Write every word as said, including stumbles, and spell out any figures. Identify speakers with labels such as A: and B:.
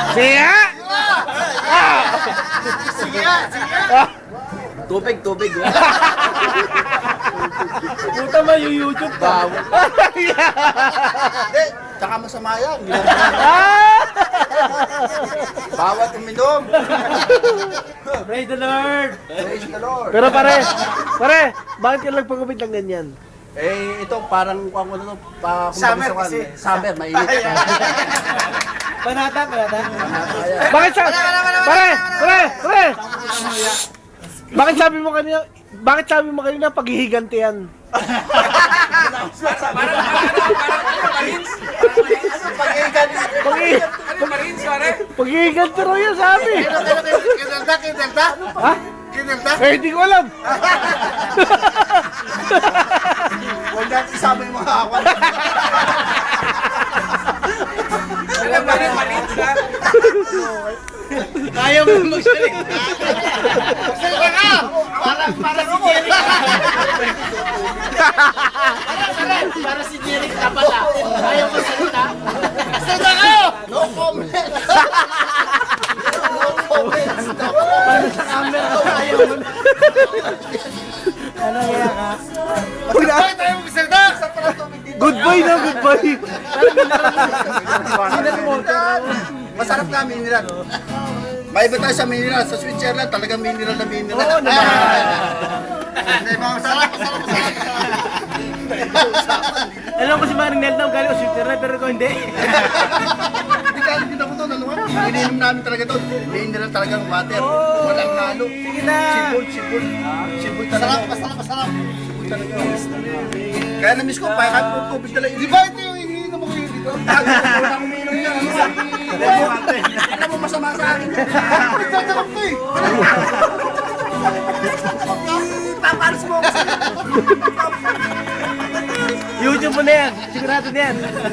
A: Sige nga! Ah!
B: Sige nga, sige nga.
C: Tubig, tubig.
A: Puta mo yung YouTube ka.
B: Hindi, tsaka masama yan.
A: Ah!
B: Bawat uminom.
A: Praise the Lord!
B: Praise the Lord.
A: Pero pare, pare, bakit ka nagpagupit ng ganyan?
C: Eh, ito parang kung ano to, pa, kung
B: Summer
C: bagusakan,
B: kasi.
C: eh. Summer, mainit.
A: Panata, panata. Bakit sa... Pare, pare, pare! Bakit sabi mo kanina, bakit sabi mo kanina paghihiganti yan? Paghi- Paghihiganti raw yan sabi.
B: Kinelta, kinelta.
A: Ha?
B: Kinelta.
A: Eh, hindi ko alam.
B: Huwag natin isama yung mga awan.
D: Alam mo rin, maliit ka.
A: Kaya mo magsaling.
B: Salita ka! Para, para si Jerry. Para si Jerry ka pala. Ayaw mo salita. Salita ka! No comment. No comment.
A: Paano sa camera? Ayaw mo na. Ano kaya ka?
B: Bakit tayo magsalita? Sa pala tubig dito.
A: Good boy na, good boy.
B: Masarap na mineral. May iba tayo sa mineral. Sa Switzerland, talagang mineral na mineral.
A: Oo naman.
B: Hindi, masarap, masarap, masarap.
A: Alam ko si Maring Nelda, galing ko Switzerland, pero ko hindi.
B: Hindi ka, hindi ako to, nanuwa. Ininom namin talaga to. Mineral talagang water. Walang halo.
A: Sige na.
B: Sibol, sibol. Sibol talaga. Masarap, masarap, masarap. Sibol talaga. Kaya na-miss ko, pa kahit po tubig talaga. Di ba ito yung iniinom mo kayo dito? Wala akong umiinom yan. Alam mo masama sa akin. Nagtatakap ko eh. Paparas mo ako.
A: YouTube mo na yan. Sigurado na yan.